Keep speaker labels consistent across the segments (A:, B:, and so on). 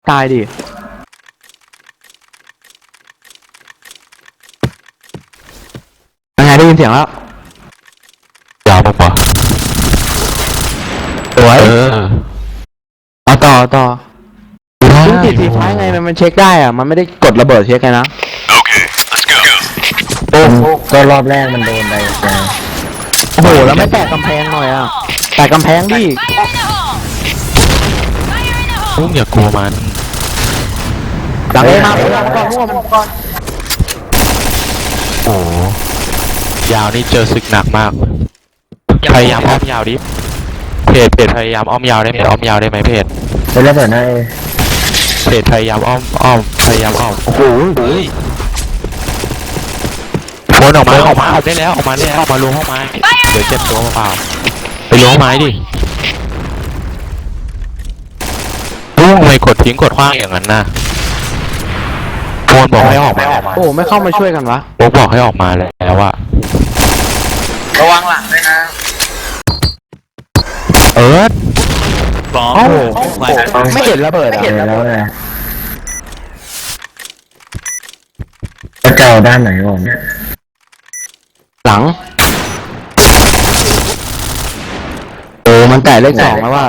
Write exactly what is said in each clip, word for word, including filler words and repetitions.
A: ตายดิยังไงได้ยินเสียงแล้ว
B: ยาวปะวะ
A: สวย
B: เออ
A: เอาต่อต่อซึ่งติดทีไฟไงมันมันเช็คได้อะมันไม่ได้กดระเบิดเช็คไงนะ
C: โอ้ก็รอบแรกมันโดนไปนะ
A: โอ้โหแล้วไม่แตกกำแพงหน่อยอ่ะแตกกำแพงดิ
B: ลุงอย่ากลัวมัน
A: หลังเอมาก่อนก่อนมั่วมันก่อน
B: โอ้ยาวนี่เจอศึกหนักมากพยายามอ้อมยาวดิเพจเพจพยายามอ้อมยาวได้ไหมอ้อมยาวได้ไหมเพจ
C: ไปแล้วเปิดหน้า
B: เพจพยายามอ้อมอ้อมพยายามอ้อมโอ้โหโฟนออกมาออกมาได้แล้วออกมาได้แล้วออกมาล้วงห้องไม้เดี๋ยวเจ็บตัวเปล่าไปล้วงไม้ดิลุงไม่กดทิ้งกดขว้างอย่างนั้นนะโฟนบอกให้ออกมา
A: โอ้ไม่เข้ามาช่วยกันวะ
B: โฟนบอกให้ออกมาแล้วอะ
D: ระวังหลังด้วยนะ
B: เอิร์ธ
A: โอ้โหไม่เห็นระเบิด
C: เห็นแล้วไงจะเจ้าด้านไหนก่อนเนี่ย
A: หลังโอ้มันแตะเลขสองแล้วว่า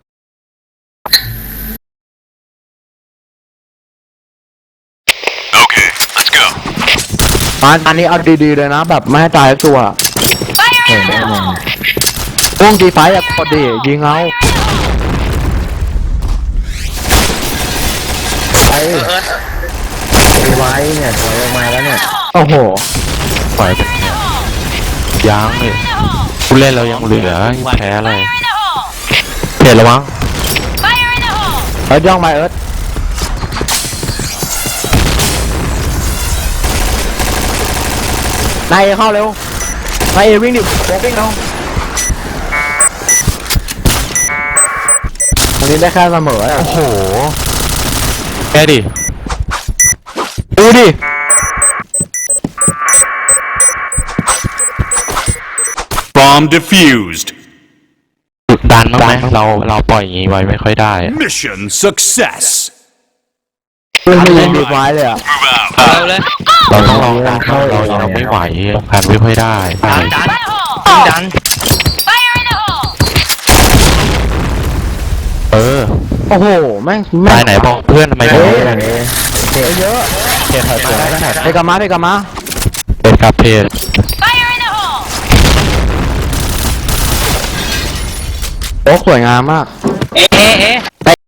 A: มาอันนี้เอาดีๆเลยนะแบบไม่ให้ตายตัว
C: เห็นได้ไง
A: วงดีไฟอะกดดิยิงเอา
C: ไปไปไว้เนี่ยถอยออกมาแล้วเนี่ย
A: โอ้โห
B: ปล่อยเป็นยังเลยผู้เล่นเรายังเหลือแพ้เลยเพจระวัง
A: เอิร์ธย่องมาเอิร์ธนายเข้าเร็วนายวิ่งดิโค้งวิ่งเอาวันนี้ได้แค่เสมอ
B: โอ้โหแกดิ
A: ดูดิ
E: Bomb defused
B: ดุดันมากไหมเราเราปล่อยอย่างนี้ไว้ไม่ค่อยได้
E: Mission success
A: ไม่ยิงดีไว้เลยอ่ะ
D: เอาเลย
B: เราต้องลองดันเรายังไม่ไหวกันไม่ค่อยได้
D: ดันดันดัน
B: เออ
A: โอ้โหแม่ง
B: ตายไหนบอกเพื่อนทำไมไม่
C: อย่างนี้
A: เยอะเยอะ
B: เพจถอยไป
A: ไปกับมาไปกับมา
B: เป็นกับเพจ
A: โอ้สวยงามมาก
D: เอ๊ะเอ๊ะ